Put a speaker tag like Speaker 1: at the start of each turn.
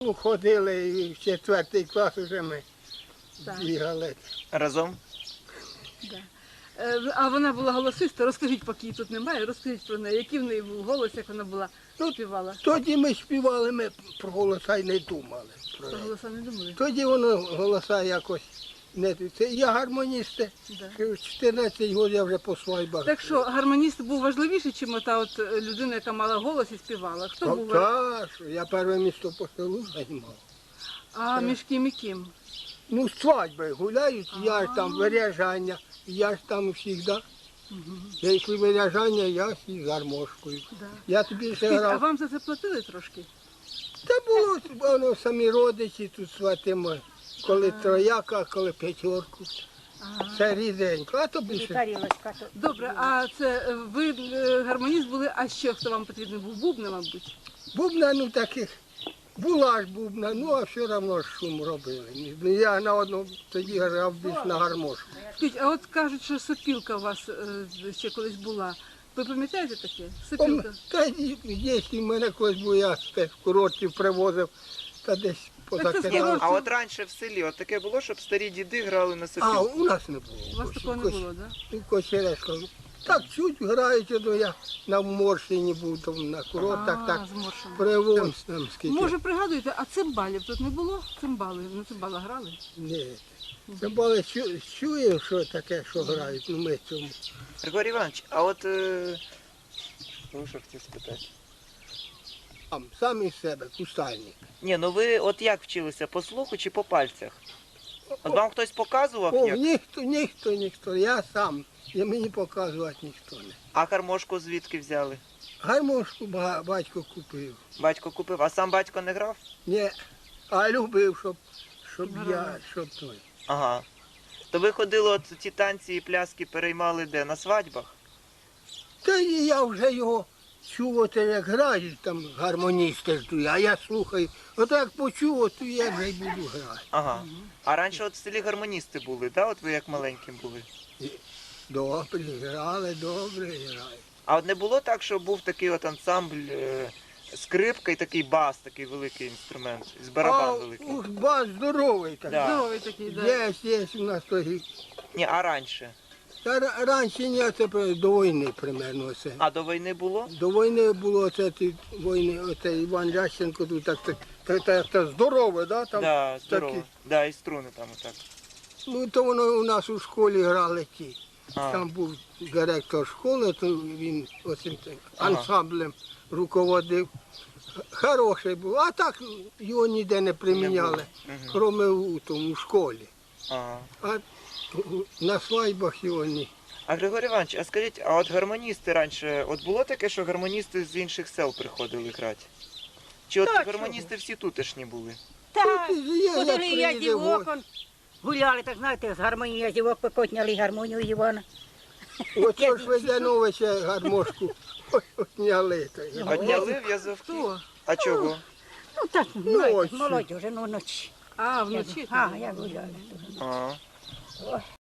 Speaker 1: Ну, ходили і в 4 клас вже ми бігали.
Speaker 2: Разом?
Speaker 3: Да. А вона була голосиста, розкажіть, поки її тут немає, розкажіть про неї, який в неї був голос, як вона була, співала.
Speaker 1: Тоді ми співали, ми про голоса й не думали.
Speaker 3: Про голоса не думали?
Speaker 1: Тоді воно голоса якось не... Це я гармоніст,
Speaker 3: Да.
Speaker 1: в 14 років я вже по свайбах.
Speaker 3: Так що, гармоніст був важливіший, ніж та от людина, яка мала голос і співала? Хто був?
Speaker 1: Так, я перше місто по селу займав.
Speaker 3: А між ким і ким?
Speaker 1: Ну, свадьби гуляють, я ж там виряжання, я ж там завжди. Якщо виряжання, я ж із гармошкою.
Speaker 3: Да.
Speaker 1: Я тобі ще
Speaker 3: А
Speaker 1: грав.
Speaker 3: вам за це платили трошки?
Speaker 1: Та було воно самі родичі тут сватимо, коли трояка, коли 5. Це ріденько, а то більше.
Speaker 3: Добре, а це ви гармоніст були, а ще хто вам потрібен був? Бубна, мабуть?
Speaker 1: Бубна, ну таких, була ж бубна, ну а все одно ж шум робили. Я на одному тоді грав більш на гармошку.
Speaker 3: Скажіть, а от кажуть, що сопілка у вас ще колись була. Ви пам'ятаєте таке? Сопілка?
Speaker 1: Та якщо в мене колись був, я з курортів привозив, та десь позакидав.
Speaker 2: А от раніше в селі от таке було, щоб старі діди грали на
Speaker 1: А,
Speaker 2: сопілку?
Speaker 1: у нас не було.
Speaker 3: У вас такого не було, так?
Speaker 1: У Кочерешка. Так чуть грають, ну я на Морщині був, там на курортах, так
Speaker 3: з Моршем.
Speaker 1: привоз там скільки.
Speaker 3: Може, пригадуєте, а цимбалів тут не було? Цимбали, на цимбала грали?
Speaker 1: Ні. Цимбали чуємо, що таке, що грають, ну ми цьому.
Speaker 2: Григорій Іванович, а от... Ну, що хотів спитати?
Speaker 1: Сам із себе, кустальник.
Speaker 2: Ні, ну ви от як вчилися, по слуху чи по пальцях? От вам хтось показував
Speaker 1: О,
Speaker 2: як?
Speaker 1: ніхто, я сам. І мені показувати ніхто не.
Speaker 2: А гармошку звідки взяли?
Speaker 1: Гармошку батько купив.
Speaker 2: Батько купив, а сам батько не грав?
Speaker 1: Ні, а любив, щоб той.
Speaker 2: Ага. То ви ходили, от ті танці і пляски переймали де? На свадьбах?
Speaker 1: Та і я вже його чув, от як грають, там гармоністи ждуть, а я слухаю. От як почув, то я вже й буду грати.
Speaker 2: Ага. А раніше от в селі гармоністи були, да? От ви як маленьким були?
Speaker 1: Добре грали.
Speaker 2: А от не було так, що був такий от ансамбль, скрипка і такий бас, такий великий інструмент, з барабан великий?
Speaker 1: Ух, бас здоровий такий.
Speaker 2: Да.
Speaker 3: Здоровий такий, так.
Speaker 1: Є у нас той.
Speaker 2: Ні, а раніше?
Speaker 1: Та раніше ні, це до війни примерно це.
Speaker 2: А до війни було?
Speaker 1: До війни було оце Іван Ященко тут так здорове, да? Там
Speaker 2: Да, здорово.
Speaker 1: такі.
Speaker 2: Да, і струни там отак.
Speaker 1: Ну то воно у нас у школі грали ті.
Speaker 2: А.
Speaker 1: Там був директор школи, то він оцим ансамблем руководив. Хороший був, а так його ніде не приміняли, крім у школі.
Speaker 2: Ага.
Speaker 1: А на свадьбах його ні.
Speaker 2: А Григорій Іванович, а скажіть, а от гармоністи раніше, от було таке, що гармоністи з інших сел приходили грати? Чи от
Speaker 1: Так,
Speaker 2: гармоністи всі тутешні були?
Speaker 4: Так,
Speaker 1: Є,
Speaker 4: ходили
Speaker 1: як
Speaker 4: я
Speaker 1: приїде
Speaker 4: дівок,
Speaker 1: гость.
Speaker 4: гуляли, так знаєте, з гармонії дівок покотняли гармонію Івана.
Speaker 1: Оце ж Ведяновича гармошку отняли.
Speaker 2: Отняли в'язовки?
Speaker 3: Хто?
Speaker 2: А чого?
Speaker 4: Ну так,
Speaker 1: Ночі.
Speaker 4: молодь вже, ну ночі.
Speaker 3: А, вночі?
Speaker 4: А, я гуляла.
Speaker 2: Ага.